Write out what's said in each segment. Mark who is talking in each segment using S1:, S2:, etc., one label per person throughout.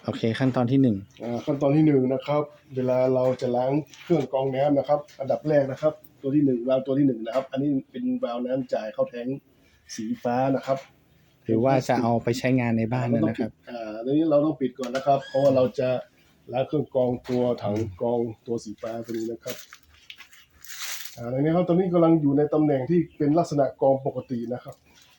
S1: โอเคขั้นตอนที่
S2: ขั้นตอนที่นะครับ เวลาเราจะล้างเครื่องกรองน้ำนะครับ อันดับแรกนะครับ ตัวที่วาล์วตัวที่นะครับ อันนี้เป็นวาล์วน้ำจ่ายเข้าแทงสีฟ้านะครับ
S1: 1หรือว่าจะเอาไปใช้งานในบ้านนะครับ
S2: ตอนนี้เราต้องปิดก่อนนะครับ เพราะว่าเราจะล้างเครื่องกรองตัวถังกรองตัวสีฟ้าตัวนี้นะครับในนี้ครับตอนนี้กำลังอยู่ในตำแหน่งที่เป็นลักษณะกรองปกตินะครับ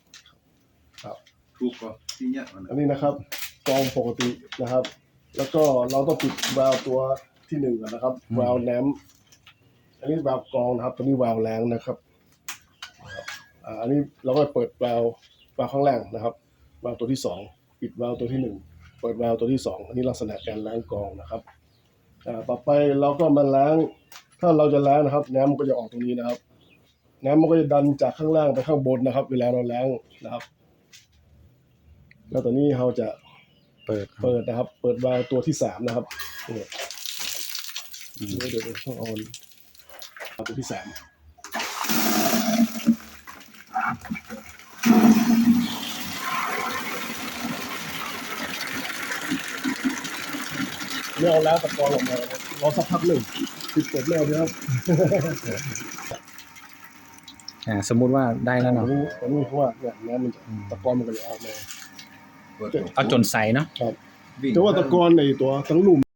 S3: ถูกป่ะที่เนี้ย
S2: อันนี้นะครับกรองปกตินะครับ แล้วก็เราต้องปิดวาล์วตัวที่ก่อนนะครับวาล์วน้ำอันนี้วาล์วกรองนะครับตัวนี้วาล์วล้างนะครับอันนี้เราก็เปิดวาล์วข้างล่างนะครับวาล์วตัวที่ปิดวาล์วตัวที่เปิดวาล์วตัวที่อันนี้ลักษณะการล้างกรองนะครับต่อไปเราก็มาล้างถ้าเราจะล้างนะครับน้ำมันก็จะออกตรงนี้นะครับน้ำมันก็จะดันจากข้างล่างไปข้างบนนะครับ เวลาเราล้างนะครับแล้วตอนนี้เราจะเปิดนะครับเปิดวาล์วตัวที่นะครับเดี๋ยวต้องเอาตัวที่ไม่เอาแล้วตะกอนออกมารอสักพักหนึ่งปิดเปิดแล้วนะครับ
S1: สมมุติว่าได้แล้วเนาะ
S2: ตอนนี้เพราะว่าเนี่ยน้ำมันตะกอนมันก็จะออกมา
S1: เอาจนใสเนาะ
S2: ครับแต่ว่าตะกอนในตัวทั้งลุ่ม